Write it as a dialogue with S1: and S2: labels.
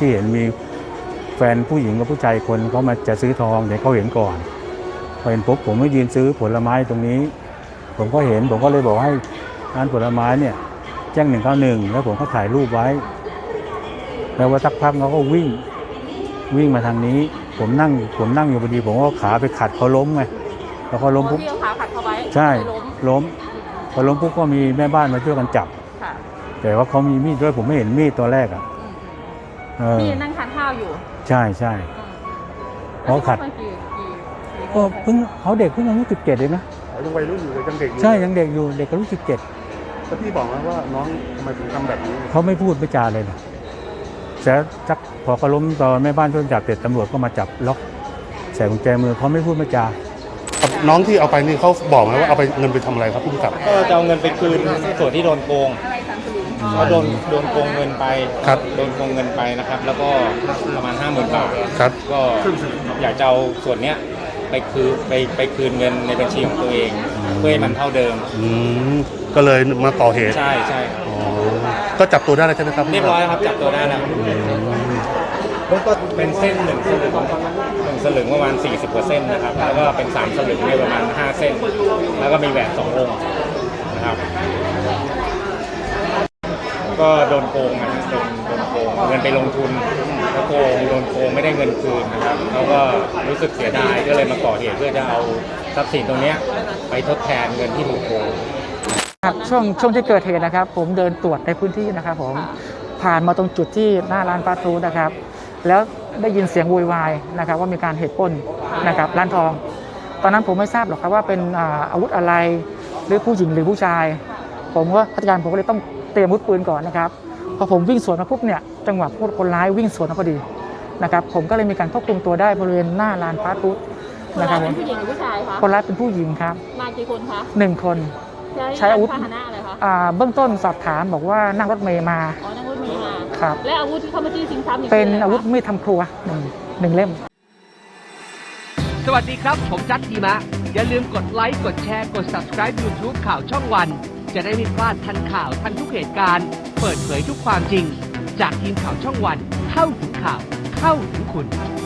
S1: ที่เห็นมีแฟนผู้หญิงกับผู้ชายคนเขามาจะซื้อทองเดี๋ยวเขาเห็นก่อนพอเห็นปุ๊บผมก็ยืนซื้อผลไม้ตรงนี้ผมก็เห็นผมก็เลยบอกให้ร้านผลไม้เนี่ยแจ้ง191แล้วผมก็ถ่ายรูปไว้แล้วว่าสักพักเขาก็วิ่งมาทางนี้ผมนั่งอยู่พอดีผมก็ขาไปขัดเขาล้มไงแล้วเขาล้มปุ๊บ
S2: พี่เอาขาขัดเขาไว้
S1: ใช่ล้มพอล้มปุ๊บก็มีแม่บ้านมาช่วยกันจับแต่ว่าเขามีมีดด้วยผมไม่เห็นมีดตัวแรกอ่ะ
S2: พี่นั่งทานข้าวอยู่
S1: ใช่เขาขัดก็เพิ่งเขาเด็กเพิ่งอายุ17เองนะ
S3: ยังวัยรุ่นอยู่เลยยังเด็กอยู่
S1: ใช่ยังเด็กอยู่เด็กอายุ17
S3: แล้วพี่บอกว่าน้องทำไมถึงทำแบบนี้
S1: เขาไม่พูดไม่จาเลยนะแต่จักพอเขาล้มตอนแม่บ้านช่วยจับเสร็จตำรวจก็มาจับล็อกใส่กุญแจมือเขาไม่พูดไม่จา
S3: น้องที่เอาไปนี่เขาบอกไหมว่าเอาไปเงินไปทำอะไรครับผู้กำกับ
S4: ก็จะเอาเงินไปคืนส่วนที่โดนโกงเขาโดนโกงเงินไปโดนโกงเงินไปนะครับแล้วก็ประมาณ 50,000 บาท
S3: ครับ
S4: ก็อยากจะเอาส่วนเนี้ยไปคืนเงินในบัญชีของตัวเองเพื่อให้มันเท่าเดิม
S3: ก็เลยมาก่อเหตุ
S4: ใช่
S3: ก็จับตัวได้แล้วใช่ไหมครับ
S4: เรียบร้อยครับจับตัวได้แล้วก็เป็นเส้น1 สลึงประมาณ40 กว่าเส้นนะครับแล้วก็เป็น3 สลึงในประมาณ5 เส้นแล้วก็มีแหวน2 องค์นะครับก็โดนโกงนะโดนโกงเงินไปลงทุนแล้วโดนโกงไม่ได้เงินคืนนะครับเขาก็รู้สึกเสียดายก็เลยมาก่อเหตุเพื่อจะเอาทรัพย์สินตรงนี้ไปทดแทนเงินที่ถูกโกง
S5: ครับช่วงที่เกิดเหตุนะครับผมเดินตรวจในพื้นที่นะครับผมผ่านมาตรงจุดที่หน้าร้านฟาสต์ฟู้ดนะครับแล้วได้ยินเสียงโวยวายนะครับว่ามีการเหตุปล้นนะครับร้านทองตอนนั้นผมไม่ทราบหรอกครับว่าเป็นอาวุธอะไรหรือผู้หญิงหรือผู้ชายผมก็พนักงานผมก็เลยต้องเตรียมอาวุธปืนก่อนนะครับพอผมวิ่งสวนมาปุ๊บเนี่ยจังหวะคนร้ายวิ่งสวนมาพอดีนะครับผมก็เลยมีการควบคุมตัวได้บริเวณหน้าร้านฟาสต์ฟู้ด
S2: นะครับเป็นผู้หญิงหรือผู้ชายคะ
S5: คนร้ายเป็นผู้หญิงครับ
S2: มากี่คนคะ
S5: 1 คนใช้อาวุธ
S2: อะไรคะ
S5: เบื้องต้นสอบถามบอกว่านั่งรถเมล์มา
S2: นั่งรถเมล์มา
S5: ครับ
S2: และอาวุธที่เขามาจี้ชิงทรัพย์
S5: เป็นอาวุธมีดทำครัวหนึ่งเล่ม
S6: สวัสดีครับผมจัดทีมะอย่าลืมกดไลค์กดแชร์กด Subscribe YouTube ข่าวช่องวันจะได้ไม่พลาดทันข่าวทันทุกเหตุการณ์เปิดเผยทุกความจริงจากทีมข่าวช่องวันเข้าถึงข่าวเข้าถึงคุณ